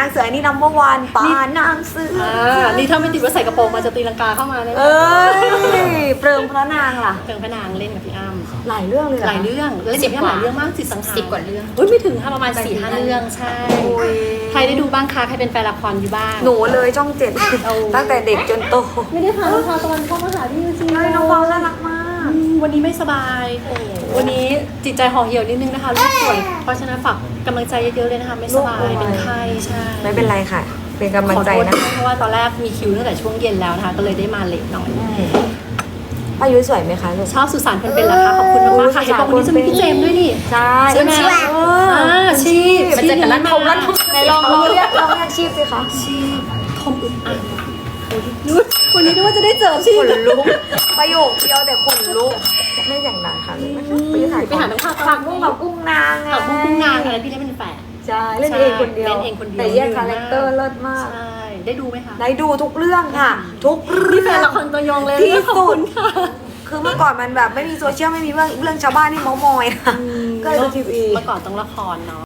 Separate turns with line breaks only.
างเสืออันนี้number one ป่านางเสือ
นี่ถ้าไม่ติดว่าใส่กระโปรงมาจะตีลังกาเข้ามาเลย
เปลืองพระนางล่ะ
เปลืองพระนางเล่นกับพี่อ้ำ
หลายเรื่องเลย
หลายเรื่องเล่นกับพี่อ้ำหลายเรื่องมากสังหาร
10 กว่าเรื่อง
ไม่ถึงค่ะประมาณ 4-5 เรื่องใช่ใครได้ดูบ้างคะใครเป็นแฟนละครอยู่บ้าง
หนูเลยช่อง7ตั้งแต่เด็กจนโต
ไม่ได้พาน้องพาวตะวันเข้ามาหาพี่จริง
น้องพาวน่ารักมาก
วันนี้ไม่สบายวันนี้จิตใจห่อเหี่ยวนิดนึงนะคะลูกป่วยเพราะฉะนั้นฝากกำลังใจเยอะๆเลยนะคะไม่สบายเป็นไข้ใช่
ไม่เป็นไรค่ะเป็นกำลังใจนะ
เพราะว่าตอนแรกมีคิวตั้งแต่ช่วงเย็นแล้วนะคะก็เลยได้มาเลทหน่อย
ป้ายุ้ยสวยไหมคะ
ชอบสุสานคนเป็นเหรอคะขอบคุณมากๆค่ะเห็นบอกวันนี้จะมีพี่เจมส์ด้วยนี่
ใช่
ใช่ไหมชีพ
มันจะกันลั่นทมลั่นทม
ไหนลองเรียกชีพสิคะ
ชีพทมอึดอัดวันนี้ดูว่าจะได้เจอชีพ
ขนลุกประโยคเดียวแต่ขนลุกไม่อย่างนั้นค่ะ
ไปหาน้ำข้าว
ผักบุ้งกับกุ้งนาง
ผักบุ้งกุ้งนางอะไรพี่เล่นเป็นแฝด
ใช่เล่นเองคนเดียวแต่แยกคาแรคเตอร์เลิศมาก
ใช่ได้ดูไหมคะ
ได้ดูทุกเรื่องค่ะทุก
นี่แฟนละครตัวยงเลย
ที่สุดคือเมื่อก่อนมันแบบไม่มีโซเชียลไม่มีเรื่องชาวบ้านที่เม้ามอยก็เลยดูทีวี
เมื่อก่อนต้องละครเนาะ